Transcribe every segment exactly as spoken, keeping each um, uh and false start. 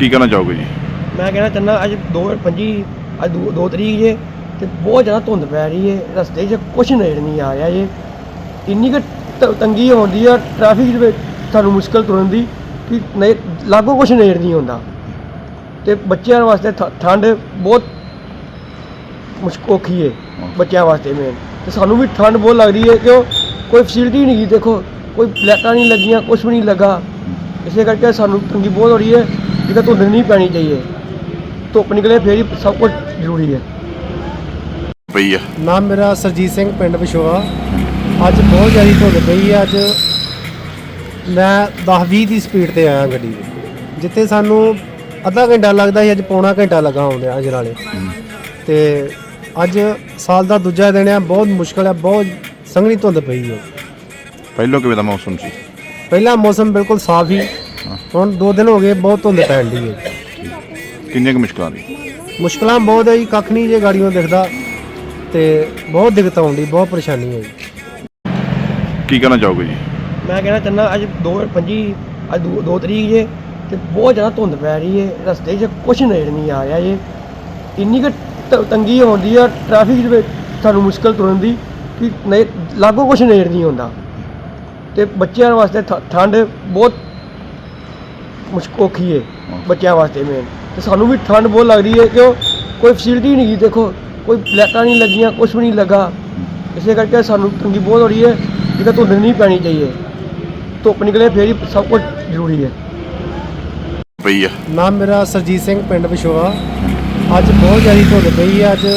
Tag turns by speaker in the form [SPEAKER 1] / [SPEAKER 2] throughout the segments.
[SPEAKER 1] ਕੀ ਕਹਿਣਾ ਚਾਹੋਗੇ ਜੀ?
[SPEAKER 2] मैं कहना चाहना अज दो पंजी अज दो दो तरीक जे ते बहुत ज़्यादा धुंध पै रही है रस्ते च कुछ नज़र नहीं आ रहा जे इन्नी क तंगी होंदी है ट्रैफिक दे सानू मुश्किल तुरन दी कि नहीं लागों कुछ नज़र नहीं आंदा ते बच्चों वास्ते ठंड बहुत मुश्किल औखी है बच्चों वास्ते मेन ते सानू भी ठंड बहुत लग रही है क्यों कोई फैसिलिटी नहीं देखो कोई लाइटां नहीं लगियां कुछ भी नहीं लगा इस करके सानू तंगी बहुत हो रही है जिसका धुंध नहीं पैनी चाहिए धुप निकले फिर ही सब कुछ जरूरी है।
[SPEAKER 1] ਪਈ ਆ
[SPEAKER 3] ਨਾਮ ਮੇਰਾ ਸਰਜੀਤ ਸਿੰਘ ਪਿੰਡ ਵਿਸ਼ੋਆ। ਅੱਜ ਬਹੁਤ ਜ਼ਿਆਦਾ ਧੁੰਦ ਪਈ ਹੈ। ਅੱਜ ਮੈਂ ਦਸ ਵੀਹ ਦੀ ਸਪੀਡ ਤੇ ਆਇਆ ਗੱਡੀ ਦੇ ਜਿੱਥੇ ਸਾਨੂੰ ਅੱਧਾ ਘੰਟਾ ਲੱਗਦਾ ਸੀ ਅੱਜ ਪੌਣਾ ਘੰਟਾ ਲੱਗਾ ਆਉਂਦਿਆਂ ਅਜਨਾਲੇ ਤੇ ਅੱਜ ਸਾਲ ਦਾ ਦੂਜਾ ਦਿਨ ਹੈ। ਬਹੁਤ ਮੁਸ਼ਕਲ ਹੈ ਬਹੁਤ ਸੰਘਣੀ ਧੁੰਦ ਪਈ ਹੈ।
[SPEAKER 1] ਪਹਿਲੋਂ ਕਿਵੇਂ ਦਾ ਮੌਸਮ ਸੀ?
[SPEAKER 3] ਪਹਿਲਾਂ ਮੌਸਮ ਬਿਲਕੁਲ ਸਾਫ਼ ਹੀ ਹੁਣ ਦੋ ਦਿਨ ਹੋ ਗਏ ਬਹੁਤ ਧੁੰਦ ਪੈਣ ਦੀ ਹੈ।
[SPEAKER 1] ਕਿੰਨੀਆਂ ਕੁ ਮੁਸ਼ਕਲਾਂ ਨੇ?
[SPEAKER 3] ਮੁਸ਼ਕਲਾਂ ਬਹੁਤ ਹੈ ਜੀ ਕੱਖ ਨਹੀਂ ਜੇ ਗਾੜੀਆਂ ਦਿਖਦਾ ਤੇ ਬਹੁਤ ਦਿੱਕਤ ਆਉਂਦੀ ਬਹੁਤ ਪਰੇਸ਼ਾਨੀ ਹੈ ਜੀ।
[SPEAKER 1] ਕੀ ਕਹਿਣਾ ਚਾਹੋਗੇ ਜੀ?
[SPEAKER 2] मैं कहना चाहना अज दो पंजी अज दो दो तरीक जे ते बहुत ज़्यादा धुंध पै रही है रस्ते च कुछ नज़र नहीं आ रहा जे इन्नी क तंगी होंदी है ट्रैफिक दे सानू मुश्किल तुरन दी कि नहीं लागों कुछ नज़र नहीं आंदा ते बच्चों वास्ते ठंड बहुत मुश्किल औखी है बच्चों वास्ते मेन ते सानू भी ठंड बहुत लग रही है क्यों कोई फैसिलिटी नहीं देखो कोई लाइटां नहीं लगियां कुछ भी नहीं लगा इस करके सानू तंगी बहुत हो रही है जिसका धुंध नहीं पैनी चाहिए धुप निकले फिर ही सब कुछ जरूरी है।
[SPEAKER 1] ਪਈ ਆ
[SPEAKER 3] ਨਾਮ ਮੇਰਾ ਸਰਜੀਤ ਸਿੰਘ ਪਿੰਡ ਵਿਸ਼ੋਆ। ਅੱਜ ਬਹੁਤ ਜ਼ਿਆਦਾ ਧੁੰਦ ਪਈ ਹੈ। ਅੱਜ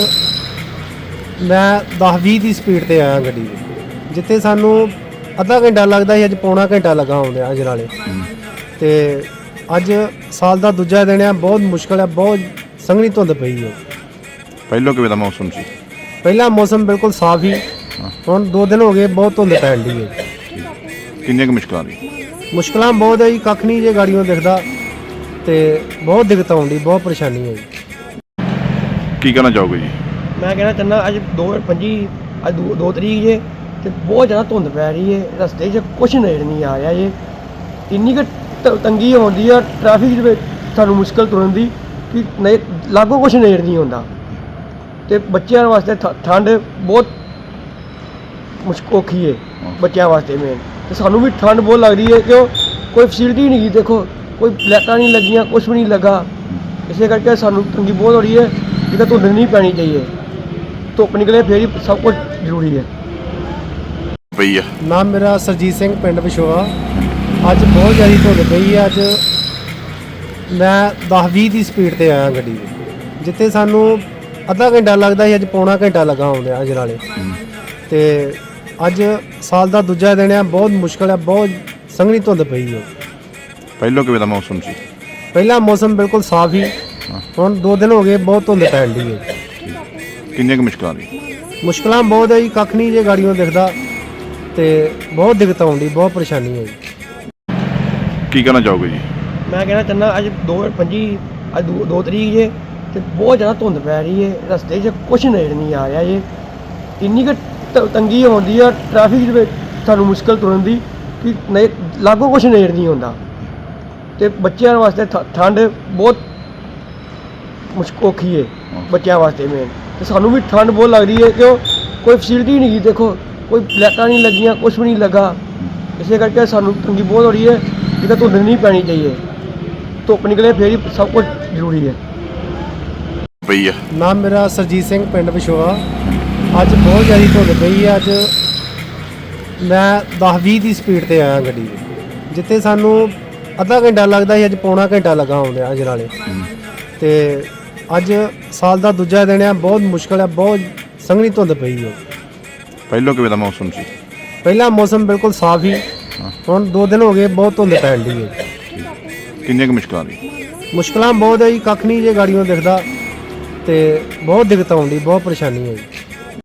[SPEAKER 3] ਮੈਂ ਦਸ ਵੀਹ ਦੀ ਸਪੀਡ ਤੇ ਆਇਆ ਗੱਡੀ ਦੇ ਜਿੱਥੇ ਸਾਨੂੰ ਅੱਧਾ ਘੰਟਾ ਲੱਗਦਾ ਸੀ ਅੱਜ ਪੌਣਾ ਘੰਟਾ ਲੱਗਾ ਆਉਂਦਿਆਂ ਅਜਨਾਲੇ ਤੇ ਅੱਜ ਸਾਲ ਦਾ ਦੂਜਾ ਦਿਨ ਹੈ। ਬਹੁਤ ਮੁਸ਼ਕਲ ਹੈ ਬਹੁਤ ਸੰਘਣੀ ਧੁੰਦ ਪਈ ਹੈ।
[SPEAKER 1] ਪਹਿਲੋਂ ਕਿਵੇਂ ਦਾ ਮੌਸਮ ਸੀ?
[SPEAKER 3] ਪਹਿਲਾਂ ਮੌਸਮ ਬਿਲਕੁਲ ਸਾਫ਼ ਹੀ ਹੁਣ ਦੋ ਦਿਨ ਹੋ ਗਏ ਬਹੁਤ ਧੁੰਦ ਪੈਣ ਦੀ ਹੈ।
[SPEAKER 1] ਕਿੰਨੀਆਂ ਕੁ ਮੁਸ਼ਕਲਾਂ ਨੇ?
[SPEAKER 3] ਮੁਸ਼ਕਲਾਂ ਬਹੁਤ ਹੈ ਜੀ ਕੱਖ ਨਹੀਂ ਜੇ ਗਾੜੀਆਂ ਦਿਖਦਾ ਤੇ ਬਹੁਤ ਦਿੱਕਤ ਆਉਂਦੀ ਬਹੁਤ ਪਰੇਸ਼ਾਨੀ ਹੈ ਜੀ।
[SPEAKER 1] ਕੀ ਕਹਿਣਾ ਚਾਹੋਗੇ ਜੀ?
[SPEAKER 2] मैं कहना चाहना अज दो पंजी अज दो दो तरीक जे ते बहुत ज़्यादा धुंध पै रही है रस्ते च कुछ नज़र नहीं आ रहा जे इन्नी क तंगी होंदी है ट्रैफिक दे सानू मुश्किल तुरन दी कि नहीं लागों कुछ नज़र नहीं आंदा ते बच्चों वास्ते ठंड बहुत मुश्किल औखी है बच्चों वास्ते मेन ते सानू भी ठंड बहुत लग रही है क्यों कोई फैसिलिटी नहीं देखो कोई लाइटां नहीं लगियां कुछ भी नहीं लगा इस करके सानू तंगी बहुत हो रही है जिसका धुंध नहीं पैनी चाहिए धुप निकले फिर ही सब कुछ जरूरी है।
[SPEAKER 1] ਪਈ ਆ
[SPEAKER 3] ਨਾਮ ਮੇਰਾ ਸਰਜੀਤ ਸਿੰਘ ਪਿੰਡ ਵਿਸ਼ੋਆ। ਅੱਜ ਬਹੁਤ ਜ਼ਿਆਦਾ ਧੁੰਦ ਪਈ ਹੈ। ਅੱਜ ਮੈਂ ਦਸ ਵੀਹ ਦੀ ਸਪੀਡ ਤੇ ਆਇਆ ਗੱਡੀ ਦੇ ਜਿੱਥੇ ਸਾਨੂੰ ਅੱਧਾ ਘੰਟਾ ਲੱਗਦਾ ਸੀ ਅੱਜ ਪੌਣਾ ਘੰਟਾ ਲੱਗਾ ਆਉਂਦਿਆਂ ਅਜਨਾਲੇ ਤੇ ਅੱਜ ਸਾਲ ਦਾ ਦੂਜਾ ਦਿਨ ਹੈ। ਬਹੁਤ ਮੁਸ਼ਕਲ ਹੈ ਬਹੁਤ ਸੰਘਣੀ ਧੁੰਦ ਪਈ ਹੈ।
[SPEAKER 1] ਪਹਿਲੋਂ ਕਿਵੇਂ ਦਾ ਮੌਸਮ ਸੀ?
[SPEAKER 3] ਪਹਿਲਾਂ ਮੌਸਮ ਬਿਲਕੁਲ ਸਾਫ਼ ਹੀ ਹੁਣ ਦੋ ਦਿਨ ਹੋ ਗਏ ਬਹੁਤ ਧੁੰਦ ਪੈਣ ਦੀ ਹੈ।
[SPEAKER 1] ਕਿੰਨੀਆਂ ਕੁ ਮੁਸ਼ਕਲਾਂ ਨੇ?
[SPEAKER 3] ਮੁਸ਼ਕਲਾਂ ਬਹੁਤ ਹੈ ਜੀ ਕੱਖ ਨਹੀਂ ਜੇ ਗਾੜੀਆਂ ਦਿਖਦਾ ਤੇ ਬਹੁਤ ਦਿੱਕਤ ਆਉਂਦੀ ਬਹੁਤ ਪਰੇਸ਼ਾਨੀ ਹੈ ਜੀ।
[SPEAKER 1] ਕੀ ਕਹਿਣਾ ਚਾਹੋਗੇ ਜੀ?
[SPEAKER 2] मैं कहना चाहना अज दो पंजी अज दो दो तरीक जे ते बहुत ज़्यादा धुंध पै रही है रस्ते च कुछ नज़र नहीं आ रहा जे इन्नी क तंगी होंदी है ट्रैफिक दे सानू मुश्किल तुरन दी कि नहीं लागों कुछ नज़र नहीं आंदा ते बच्चों वास्ते ठंड बहुत मुश्किल औखी है बच्चों वास्ते मेन ते सानू भी ठंड बहुत लग रही है क्यों कोई फैसिलिटी नहीं देखो कोई लाइटां नहीं लगियां कुछ भी नहीं लगा इस करके सानू तंगी बहुत हो रही है जिसका धुंध नहीं पैनी चाहिए धुप निकले फिर ही सब कुछ जरूरी है।
[SPEAKER 1] ਪਈ ਆ
[SPEAKER 3] ਨਾਮ ਮੇਰਾ ਸਰਜੀਤ ਸਿੰਘ ਪਿੰਡ ਵਿਸ਼ੋਆ। ਅੱਜ ਬਹੁਤ ਜ਼ਿਆਦਾ ਧੁੰਦ ਪਈ ਹੈ। ਅੱਜ ਮੈਂ ਦਸ ਵੀਹ ਦੀ ਸਪੀਡ ਤੇ ਆਇਆ ਗੱਡੀ ਦੇ ਜਿੱਥੇ ਸਾਨੂੰ ਅੱਧਾ ਘੰਟਾ ਲੱਗਦਾ ਸੀ ਅੱਜ ਪੌਣਾ ਘੰਟਾ ਲੱਗਾ ਆਉਂਦਿਆਂ ਅਜਨਾਲੇ ਤੇ ਅੱਜ ਸਾਲ ਦਾ ਦੂਜਾ ਦਿਨ ਹੈ। ਬਹੁਤ ਮੁਸ਼ਕਲ ਹੈ ਬਹੁਤ ਸੰਘਣੀ ਧੁੰਦ ਪਈ ਹੈ।
[SPEAKER 1] ਪਹਿਲੋਂ ਕਿਵੇਂ ਦਾ ਮੌਸਮ ਸੀ?
[SPEAKER 3] ਪਹਿਲਾਂ ਮੌਸਮ ਬਿਲਕੁਲ ਸਾਫ਼ ਹੀ ਹੁਣ ਦੋ ਦਿਨ ਹੋ ਗਏ ਬਹੁਤ ਧੁੰਦ ਪੈਣ ਦੀ ਹੈ।
[SPEAKER 1] ਕਿੰਨੀਆਂ ਕੁ ਮੁਸ਼ਕਲਾਂ ਨੇ?
[SPEAKER 3] ਮੁਸ਼ਕਲਾਂ ਬਹੁਤ ਹੈ ਜੀ ਕੱਖ ਨਹੀਂ ਜੇ ਗਾੜੀਆਂ ਦਿਖਦਾ ਤੇ ਬਹੁਤ ਦਿੱਕਤ ਆਉਂਦੀ ਬਹੁਤ ਪਰੇਸ਼ਾਨੀ ਹੈ ਜੀ।